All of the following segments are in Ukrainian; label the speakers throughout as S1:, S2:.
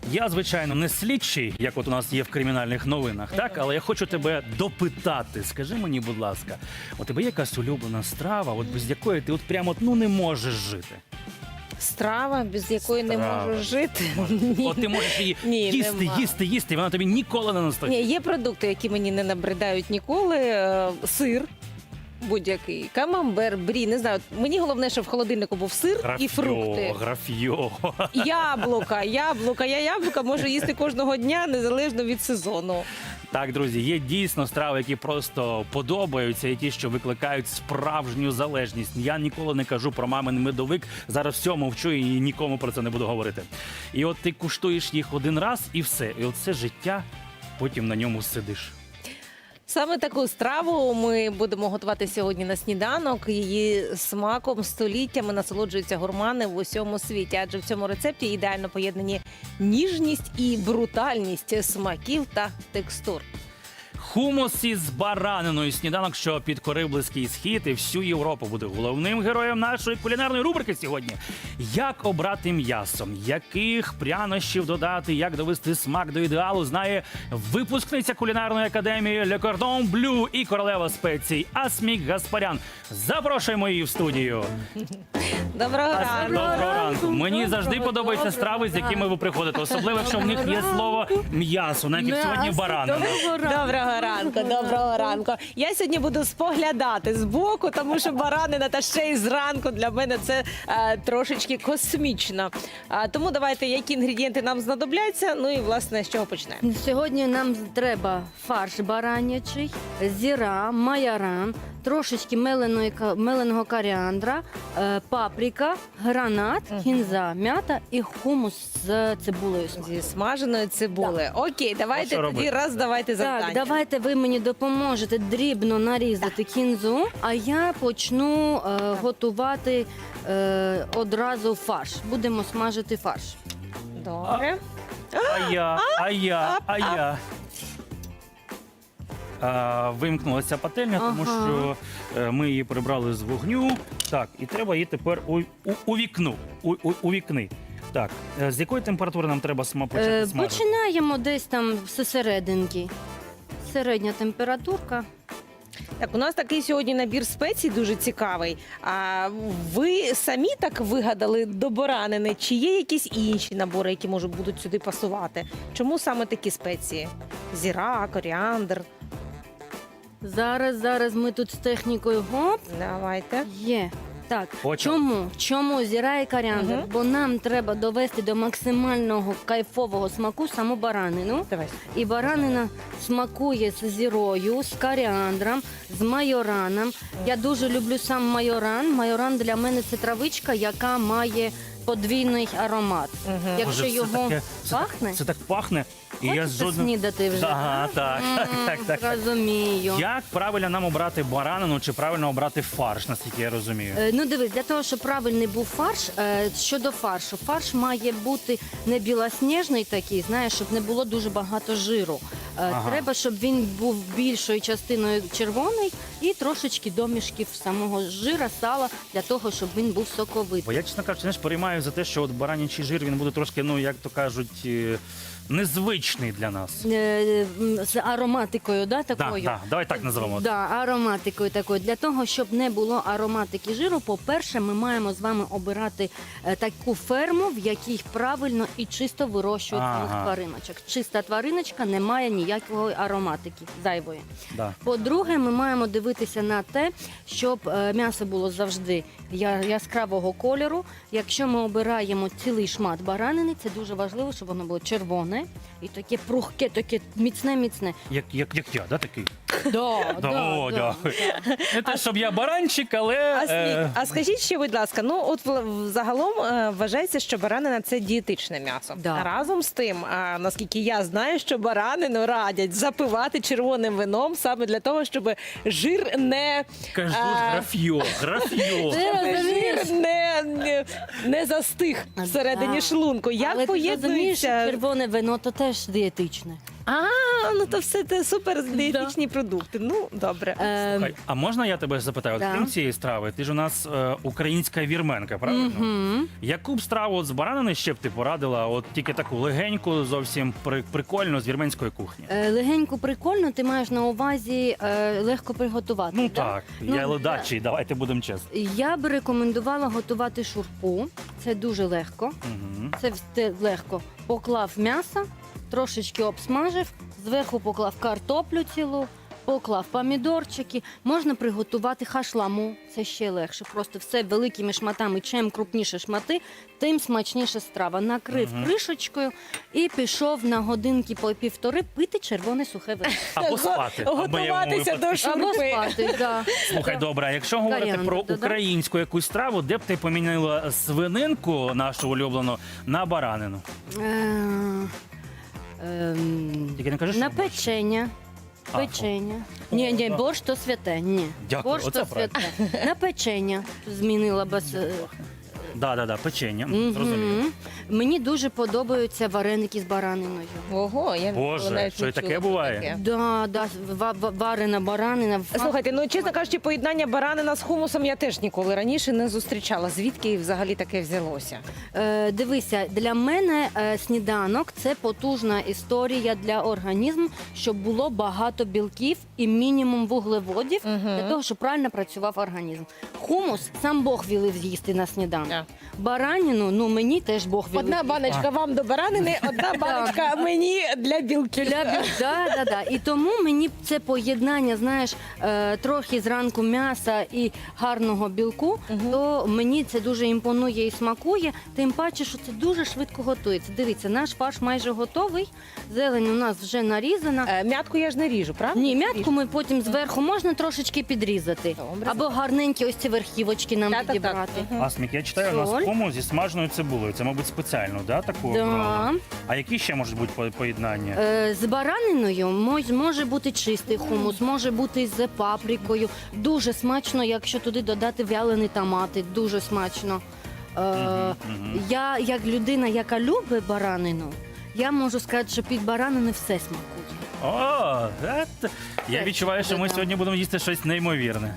S1: Я, звичайно, не слідчий, як от у нас є в кримінальних новинах, так? Але я хочу тебе допитати. Скажи мені, будь ласка, у тебе є якась улюблена страва, от без якої ти от прямо не можеш жити?
S2: Страва, без якої не
S1: Страва.
S2: можу жити.
S1: От ти можеш її
S2: Ні,
S1: їсти,
S2: нема.
S1: їсти, і вона тобі ніколи не настоїть.
S2: Ні, є продукти, які мені не набридають ніколи. Сир будь-який, камамбер, брі, не знаю. Мені головне, щоб в холодильнику був сир і фрукти.
S1: Графьо.
S2: Яблука. Я яблука можу їсти кожного дня, незалежно від сезону.
S1: Так, друзі, є дійсно страви, які просто подобаються, і ті, що викликають справжню залежність. Я ніколи не кажу про мамин медовик, зараз все мовчу і нікому про це не буду говорити. І от ти куштуєш їх один раз і все. І от це життя, потім на ньому сидиш.
S2: Саме таку страву ми будемо готувати сьогодні на сніданок. Її смаком століттями насолоджуються гурмани в усьому світі, адже в цьому рецепті ідеально поєднані ніжність і брутальність смаків та текстур.
S1: Хумус із бараниною. Сніданок, що підкорив Близький Схід і всю Європу, буде головним героєм нашої кулінарної рубрики сьогодні. Як обрати м'ясо, яких прянощів додати, як довести смак до ідеалу, знає випускниця кулінарної академії Le Cordon Bleu і королева спецій Асмік Гаспарян. Запрошуємо її в студію.
S2: Доброго ранку!
S1: Доброго ранку. Мені завжди подобаються страви, з якими ви приходите. Особливо, якщо в них є слово м'ясо, навіть як сьогодні баранина.
S2: Доброго ранку, доброго ранку. Я сьогодні буду споглядати збоку, тому що баранина та ще й зранку для мене це трошечки космічно. Тому давайте, які інгредієнти нам знадобляться, ну і власне з чого почнемо.
S3: Сьогодні нам треба фарш баранячий, зіра, майоран, трошечки меленого коріандра, паприка, гранат, кінза, м'ята і хумус з цибулею.
S2: Зі смаженої цибули. Окей, давайте
S1: що
S2: тоді
S1: робити?
S2: давайте завдання.
S3: Так, давайте ви мені допоможете дрібно нарізати кінзу, а я почну готувати одразу фарш. Будемо смажити фарш.
S2: Добре.
S1: А я. Вимкнулася пательня, тому
S3: Ага.
S1: що ми її прибрали з вогню. Так, і треба її тепер у вікни. Так, з якої температури нам треба почати смажити?
S3: Починаємо десь там зсерединки. Середня температурка.
S2: Так, у нас такий сьогодні набір спецій дуже цікавий. А ви самі так вигадали до баранини? Чи є якісь інші набори, які будуть сюди пасувати? Чому саме такі спеції? Зіра, коріандр.
S3: Зараз ми тут з технікою гоп.
S2: Давайте.
S3: Є. Так,
S1: Почали.
S3: чому зіра і коріандр?
S2: Мгм.
S3: Бо нам треба довести до максимального кайфового смаку саму баранину.
S2: Давай.
S3: І баранина смакує з зірою, з коріандром, з майораном. Я дуже люблю сам майоран. Майоран для мене це травичка, яка має подвійний аромат.
S2: Мгм.
S3: Якщо
S1: Боже,
S3: його
S1: це
S3: пахне,
S1: так пахне. І я
S3: хочеться
S1: жодним...
S3: снідати вже.
S1: Ага, так.
S3: Розумію.
S1: Як правильно нам обрати баранину чи правильно обрати фарш, наскільки я розумію?
S3: Ну дивись, для того, щоб правильний був фарш, щодо фаршу, фарш має бути не білосніжний такий, знаєш, щоб не було дуже багато жиру.
S1: Ага.
S3: Треба, щоб він був більшою частиною червоний і трошечки домішків самого жира, сала, для того, щоб він був соковитий.
S1: Бо я, чесно кажучи, знаєш, переймаю за те, що от баранячий жир, він буде трошки, ну, як то кажуть, незвичний для нас.
S3: З ароматикою, да, такою?
S1: Так, давай так називемо.
S3: Да, ароматикою такою. Для того, щоб не було ароматики жиру, по-перше, ми маємо з вами обирати таку ферму, в якій правильно і чисто вирощують
S1: Ага.
S3: своїх твариночок. Чиста твариночка не має ніякої ароматики зайвої.
S1: Да.
S3: По-друге, ми маємо дивитися на те, щоб м'ясо було завжди яскравого кольору. Якщо ми обираємо цілий шмат баранини, це дуже важливо, щоб воно було червоне і таке прухке, таке міцне.
S1: Як я, да, такий?
S3: Да,
S1: О, дякую. Не те, щоб я баранчик, але...
S2: А скажіть ще, будь ласка, ну от загалом вважається, що баранина – це дієтичне м'ясо.
S3: Да.
S2: Разом з тим, наскільки я знаю, що баранину радять запивати червоним вином саме для того, щоб жир не...
S1: Кажу, графьо.
S2: Жир не застиг всередині
S3: Да.
S2: шлунку. Як
S3: Але ти розумієш, що
S2: поєднується?
S3: червоне вино то теж дієтичне.
S2: Ну то все це супер дієтичні продукти. Ну, добре.
S1: Слухай, а можна я тебе запитаю? От
S3: Да.
S1: крім цієї страви, ти ж у нас українська вірменка, правильно?
S3: Мгм.
S1: Яку б страву от з баранини ще б ти порадила? От тільки таку легеньку, зовсім прикольну з вірменської кухні.
S3: Легенько прикольно, ти маєш на увазі легко приготувати.
S1: Ну
S3: да?
S1: так,
S3: Ну,
S1: я ледачий, давайте будемо чесні.
S3: Я б рекомендувала готувати шурпу. Це дуже легко.
S1: Угу.
S3: Це легко. Поклав м'ясо, трошечки обсмажив, зверху поклав картоплю цілу, поклав помідорчики. Можна приготувати хашламу, це ще легше. Просто все великими шматами. Чим крупніше шмати, тим смачніша страва. Накрив кришечкою і пішов на годинки по півтори пити червоне сухе вино.
S1: Або спати. або я йому
S2: Готуватися до
S3: Або
S2: шурпи.
S3: спати, да.
S1: Слухай, добре, а якщо говорити
S3: Варіанти
S1: про
S3: додам.
S1: українську якусь страву, де б ти поміняла свининку нашу улюблену на баранину? Тільки не кажи, що
S3: На
S1: борщ.
S3: печення.
S1: А,
S3: Печення. Ні,
S1: да.
S3: борщ то святе. Ні.
S1: Дякую,
S3: Борщ
S1: оце
S3: то святе. На печення змінила без.
S1: Да, печення.
S3: Мгм.
S1: Зрозумів.
S3: Мені дуже подобаються вареники з бараниною.
S2: Ого, я
S1: Боже,
S2: навіть
S1: що
S2: не
S1: і таке
S2: чула
S1: буває?
S2: таке.
S3: Да, варена баранина.
S2: Слухайте, ну чесно кажучи, поєднання баранина з хумусом я теж ніколи раніше не зустрічала. Звідки взагалі таке взялося?
S3: Дивися, для мене сніданок це потужна історія для організму, щоб було багато білків і мінімум вуглеводів для того, щоб правильно працював організм. Хумус сам Бог вілив з'їсти на сніданок.
S2: Да.
S3: Бараніну, ну мені теж Бог вілив.
S2: Одна баночка вам до баранини, одна баночка мені для білків.
S3: Да. І тому мені це поєднання, знаєш, трохи зранку м'яса і гарного білку, то мені це дуже імпонує і смакує. Тим паче, що це дуже швидко готується. Дивіться, наш фарш майже готовий. Зелень у нас вже нарізана.
S2: М'ятку я ж не ріжу, правда?
S3: Ні, м'ятку ми потім зверху можна трошечки підрізати.
S2: Добре.
S3: Або гарненькі ось ці верхівочки нам
S2: Так.
S3: підібрати.
S1: Асмік, я читаю, у нас
S3: Соль.
S1: хумус зі смаженою цибулею. Це, мабуть, спеціально, да, таку
S3: Да.
S1: обрали? А які ще можуть бути поєднання?
S3: З бараниною може бути чистий хумус, може бути з паприкою. Дуже смачно, якщо туди додати вялені томати. Дуже смачно. Я, як людина, яка любить баранину, я можу сказати, що під баранини все смакує.
S1: О, я відчуваю, що ми
S3: Да.
S1: сьогодні будемо їсти щось неймовірне.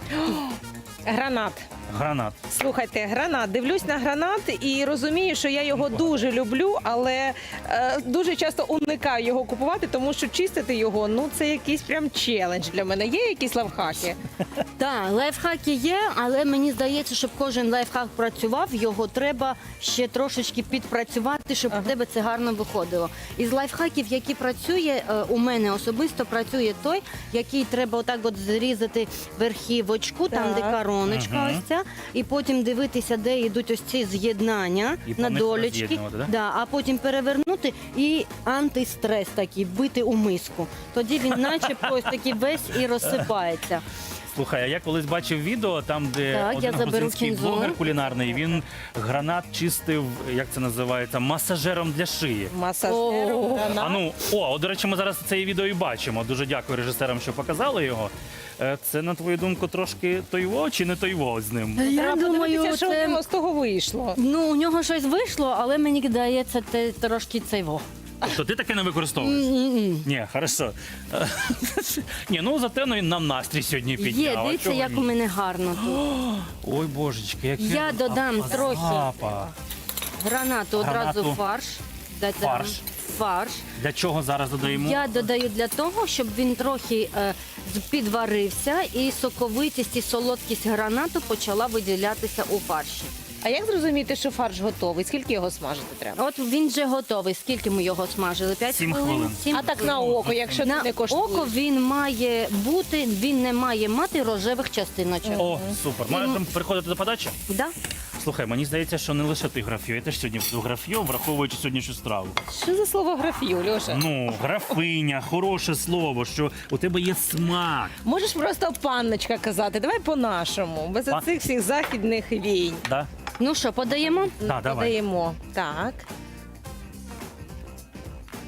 S2: Гранат.
S1: Гранат.
S2: Слухайте, гранат. Дивлюсь на гранат і розумію, що я його дуже люблю, але дуже часто уникаю його купувати, тому що чистити його, ну це якийсь прям челендж для мене. Є якісь лайфхаки?
S3: Так, лайфхаки є, але мені здається, щоб кожен лайфхак працював, його треба ще трошечки підпрацювати, щоб у тебе це гарно виходило. Із лайфхаків, які працює, у мене особисто працює той, який треба отак от зрізати верхівочку, там де
S2: Так.
S3: короночка ось ця, і потім дивитися, де йдуть ось ці з'єднання
S1: І по
S3: на
S1: них
S3: долечки.
S1: роз'єднувати, да?
S3: Да, а потім перевернути і антистрес такий, бити у миску. Тоді він начебто ось такий весь і розсипається.
S1: Слухай, а я колись бачив відео, там, де
S3: Так, я
S1: один
S3: заберу
S1: грузинський
S3: кінзу.
S1: блогер кулінарний, він гранат чистив, як це називається, масажером для шиї.
S2: Масажер,
S3: О.
S2: гранат.
S1: А ну, от, до речі, ми зараз це відео і бачимо. Дуже дякую режисерам, що показали його. Це, на твою думку, трошки тойво чи не тойво з ним?
S3: Я
S2: Треба
S3: думаю,
S2: подивитися, що в
S3: це...
S2: нього з того вийшло.
S3: Ну, у нього щось вийшло, але мені здається, це трошки цейво.
S1: Тобто ти таке не використовуєш? Ні, хорошо. Ні, ну зате нам настрій сьогодні підняв.
S3: Є,
S1: а
S3: дивіться,
S1: чого
S3: як
S1: ні?
S3: у мене гарно тут.
S1: Ой, божечки, який
S3: Я додам трохи
S1: запах.
S3: гранату, одразу
S1: Гранату.
S3: фарш. Додам
S1: Фарш.
S3: Фарш.
S1: Для чого зараз додаємо?
S3: Я додаю для того, щоб він трохи підварився і соковитість і солодкість гранату почала виділятися у фарші.
S2: А як зрозуміти, що фарш готовий? Скільки його смажити треба?
S3: От він вже готовий. Скільки ми його смажили? 5
S1: 7
S3: хвилин?
S1: хвилин.
S3: 7
S2: А так на око, якщо
S3: на
S2: ти не коштуєш.
S3: око він має бути, він не має мати рожевих частиночок.
S1: О, супер. Можемо переходити до подачі?
S3: Да?
S1: Слухай, мені здається, що не лише ти граф'ю, я теж сьогодні буду граф'ю, враховуючи сьогоднішню страву.
S2: Що за слово графію, Льоша?
S1: Ну, графиня, хороше слово, що у тебе є смак.
S2: Можеш просто панночка казати, давай по-нашому, без оцих всіх західних війн.
S1: Да?
S3: Ну що, подаємо?
S1: Да, давай.
S2: Подаємо. Так.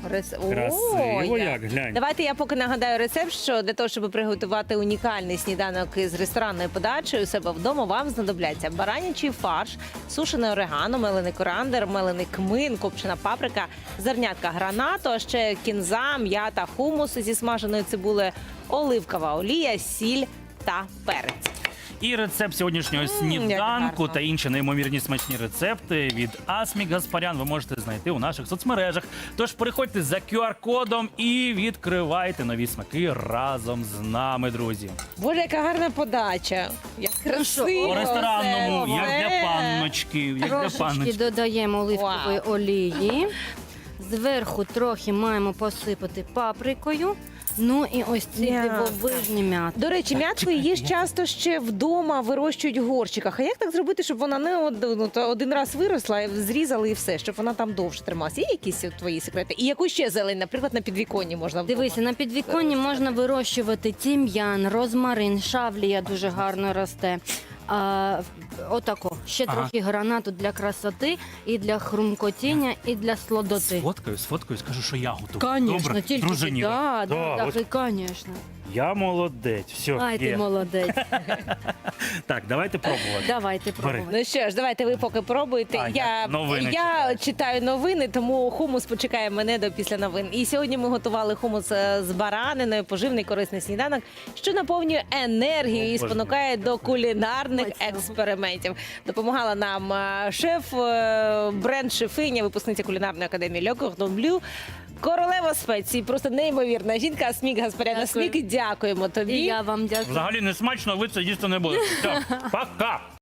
S1: Красиво як, глянь.
S2: Давайте я поки нагадаю рецепт, що для того, щоб приготувати унікальний сніданок із ресторанною подачею у себе вдома, вам знадобляться баранячий фарш, сушене орегано, мелений корандер, мелений кмин, копчена паприка, зернятка гранату, а ще кінза, м'ята, хумус зі смаженою цибулею, оливкова олія, сіль та перець.
S1: І рецепт сьогоднішнього
S2: як
S1: сніданку
S2: гарно.
S1: та інші неймовірні смачні рецепти від Асмік Гаспарян ви можете знайти у наших соцмережах. Тож переходьте за QR-кодом і відкривайте нові смаки разом з нами, друзі.
S2: Боже, яка гарна подача. Як красиво.
S1: По ресторанному,
S2: все.
S1: як для панночки, як для
S3: Трошечки
S1: панночки.
S3: додаємо оливкової
S2: Вау.
S3: олії. Зверху трохи маємо посипати паприкою. Ну і ось ці
S2: М'ятка.
S3: дивовижні м'ята.
S2: До речі, м'ятку її ж часто ще вдома вирощують в горщиках. А як так зробити, щоб вона не один раз виросла, зрізали і все, щоб вона там довше трималася? Є якісь твої секрети? І яку ще зелень, наприклад, на підвіконні можна вдома?
S3: Дивися, на підвіконні можна вирощувати тім'ян, розмарин, шавлія дуже гарно росте. Отако. Ще
S1: Ага.
S3: трохи гранату для красоти, і для хрумкотіння, і для слодоти.
S1: Сфоткаю, скажу, що я готую.
S3: Конечно,
S1: Добре?
S3: тільки
S1: Дружині.
S3: да,
S1: от
S3: конечно.
S1: я молодець. Все,
S3: Ай, ти
S1: є.
S3: молодець.
S1: Так, давайте пробувати.
S3: Давайте пробувати.
S2: Ну що ж, давайте ви поки пробуйте.
S1: А,
S2: я
S1: новини
S2: я читаю новини, тому хумус почекає мене до після новин. І сьогодні ми готували хумус з бараниною, поживний корисний сніданок, що наповнює енергію і
S1: Обожнюю.
S2: спонукає до кулінарних
S3: Смачного.
S2: експериментів. Допомагала нам шеф, бренд-шефиня, випускниця кулінарної академії Le Cordon Bleu, королева спецій, просто неймовірна жінка Асмік Гаспарян.
S3: Дякую.
S2: Асмік, дякуємо тобі.
S3: І я вам дякую.
S1: Взагалі не смачно, ви це їсти не будете. Все, пока!